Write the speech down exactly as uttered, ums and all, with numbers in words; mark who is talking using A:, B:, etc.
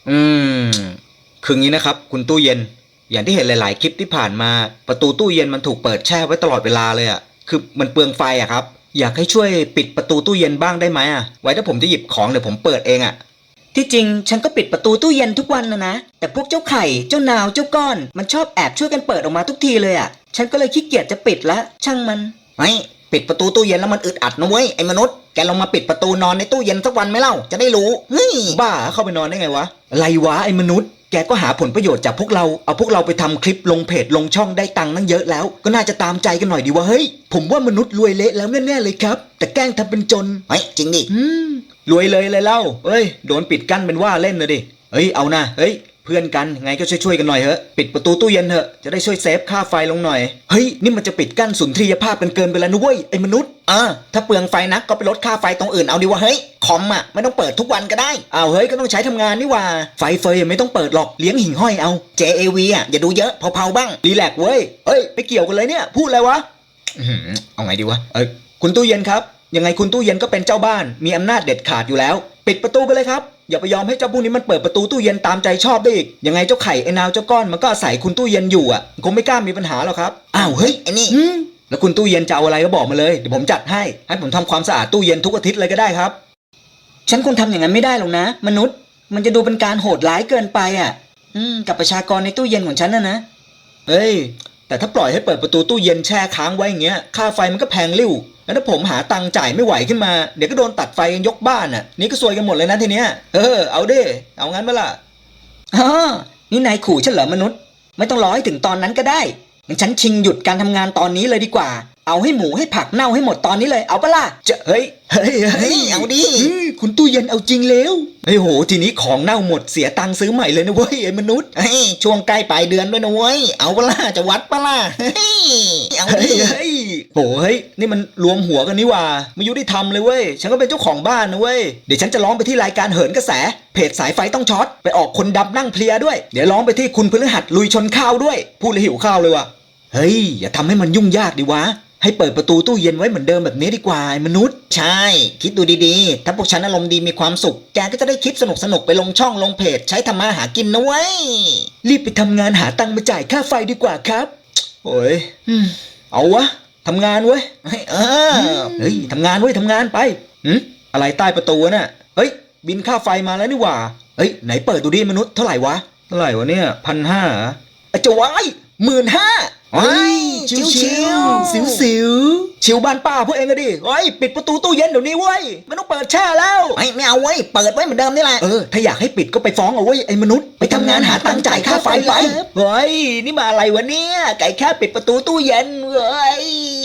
A: อืมคืองี้นะครับคุณตู้เย็นอย่างที่เห็นหลายๆคลิปที่ผ่านมาประตูตู้เย็นมันถูกเปิดแช่ไว้ตลอดเวลาเลยอะคือมันเปลืองไฟอะครับอยากให้ช่วยปิดประตูตู้เย็นบ้างได้ไหมอะไว้ถ้าผมจะหยิบของเดี๋ยวผมเปิดเองอะที่จริงฉันก็ปิดประตูตู้เย็นทุกวันนะนะแต่พวกเจ้าไข่เจ้านาวเจ้าก้อนมันชอบแอบช่วยกันเปิดออกมาทุกทีเลยอะฉันก็เลยขี้เกียจจะปิดละช่างมันไอ้ปิดประตูตู้เย็นแล้วมันอึดอัดนะเว้ยไอ้มนุษย์แกลองมาปิดประตูนอนในตู้เย็นสักวันไหมเล่าจะได้รู้เฮ้ยบ้าเข้าไปนอนได้ไงวะอะไรวะไอ้มนุษย์แกก็หาผลประโยชน์จากพวกเราเอาพวกเราไปทำคลิปลงเพจลงช่องได้ตังค์นั่งเยอะแล้วก็น่าจะตามใจกันหน่อยดีวะเฮ้ยผมว่ามนุษย์รวยเละแล้วแน่ๆเลยครับแต่แกล้งทำเป็นจนเฮ้ยจริงดิอืมรวยเลยเลยเล่าเฮ้ยโดนปิดกั้นเป็นว่าเล่นเลยดิเฮ้ยเอานะเฮ้ยเพื่อนกันไงก็ช่วยๆกันหน่อยเถอะปิดประตูตู้เย็นเถอะจะได้ช่วยเซฟค่าไฟลงหน่อยเฮ้ยนี่มันจะปิดกั้นสุนทรียภาพกันเกินไปแล้วนะเว้ยไอ้มนุษย์เออถ้าเปลืองไฟนักก็ไปลดค่าไฟตรงอื่นเอาดีวะเฮ้ยคอมอ่ะไม่ต้องเปิดทุกวันก็ได้อ้าวเฮ้ยก็ต้องใช้ทำงานนี่ว่าไฟเฟยไม่ต้องเปิดหรอกเลี้ยงหิ่งห้อยเอา เจ เอ วี อ่ะอย่าดูเยอะเผาๆบ้างรีแลกซ์เว้ยเฮ้ยไม่เกี่ยวกันเลยเนี่ยพูดอะไรวะเอาไงดีวะเอ้ยคุณตู้เย็นครับยังไงคุณตู้เย็นก็เป็นเจ้าบ้านมีอำนาจเด็ดขาดอยู่แล้วปิดประตูไปเลยครับอย่าไปยอมให้เจ้าพวกนี้มันเปิดประตูตู้เย็นตามใจชอบได้อีกยังไงเจ้าไข่ไอ้นาวเจ้าก้อนมันก็อาศัยคุณตู้เย็นอยู่อ่ะคงไม่กล้ามีปัญหาหรอกครับอ้าวเฮ้ยไอ้นี่แล้วคุณตู้เย็นจะเอาอะไรก็บอกมาเลยเดี๋ยวผมจัดให้ให้ผมทำความสะอาดตู้เย็นทุกอาทิตย์เลยก็ได้ครับฉันคงทำอย่างนั้นไม่ได้หรอกนะมนุษย์มันจะดูเป็นการโหดร้ายเกินไปอ่ะอืมกับประชากรในตู้เย็นของฉันนะนะเฮ้ยแต่ถ้าปล่อยให้เปิดประตูตู้เย็นแช่ค้างไว้อย่างเงี้ยค่าไฟมันก็แพงริ้วแล้วถ้าผมหาตังค์จ่ายไม่ไหวขึ้นมาเดี๋ยวก็โดนตัดไฟกันยกบ้านอ่ะนี่ก็ซวยกันหมดเลยนะทีเนี้ยเออเอาดิเอางั้นมาล่ะอ๋อนี่นายขู่ฉันเหรอมนุษย์ไม่ต้องรอให้ถึงตอนนั้นก็ได้งั้นฉันชิงหยุดการทำงานตอนนี้เลยดีกว่าเอาให้หมูให้ผักเน่าให้หมดตอนนี้เลยเอาปะล่ะจะเฮ้ยเฮ้ยเฮ้ยเอาดิคุณตู้เย็นเอาจริงแล้วเฮ้ยโหทีนี้ของเน่าหมดเสียตังค์ซื้อใหม่เลยนะเว้ยไอ้มนุษย์เฮ้ยช่วงใกล้ปลายเดือนด้วยนะเว้ยเอาปะล่ะจะวัดปะล่ะเฮ้ยเอาดิเฮ้ยโหเฮ้ยนี่มันรวมหัวกันนี่ว่าไม่ยุติธรรมเลยเว้ยฉันก็เป็นเจ้าของบ้านนะเว้ยเดี๋ยวฉันจะร้องไปที่รายการเหินกระแสเพจสายไฟต้องช็อตไปออกคนดำนั่งเพลียด้วยเดี๋ยวร้องไปที่คุณพฤหัสลุยชนข้าวด้วยพูดเลยหิวข้าวเลยว่ะเฮ้ยอย่าทำให้มันยุ่งยากดิวะให้เปิดประตูตู้เย็นไว้เหมือนเดิมแบบนี้ดีกว่าไอ้มนุษย์ใช่คิดดูดีๆถ้าพวกฉันอารมณ์ดีมีความสุขแกก็จะได้คลิปสนุกๆไปลงช่องลงเพจใช้ทำมาหากินนะเว้ยรีบไปทำงานหาตังค์มาจ่ายค่าไฟดีกว่าครับโอ้ยเอาวะทำงานเว้ยเออเฮ้ยทำงานเว้ยทำงานไปหืมอะไรใต้ประตูน่ะเฮ้ยบินค่าไฟมาแล้วนี่หว่าเฮ้ยไหนเปิดดูดิมนุษย์เท่าไหร่วะเท่าไหร่วะเนี่ยพันห้าจะไว้หมื่นห้าไอ้ชิวชิวสิวสิวชิวบ้านป้าพวกเองก็ดิเฮ้ยปิดประตูตู้เย็นเดี๋ยวนี้เว้ยไม่ต้องเปิดแช่แล้วไม่ไม่เอาเว้ยเปิดไว้เหมือนเดิมนี่แหละเออถ้าอยากให้ปิดก็ไปฟ้องเอาเว้ยไอ้มนุษย์ไปทำงานหาตังค์จ่ายค่าไฟไปเฮ้ยนี่มาอะไรวะเนี่ยไก่แค่ปิดประตูตู้เย็นเว้ย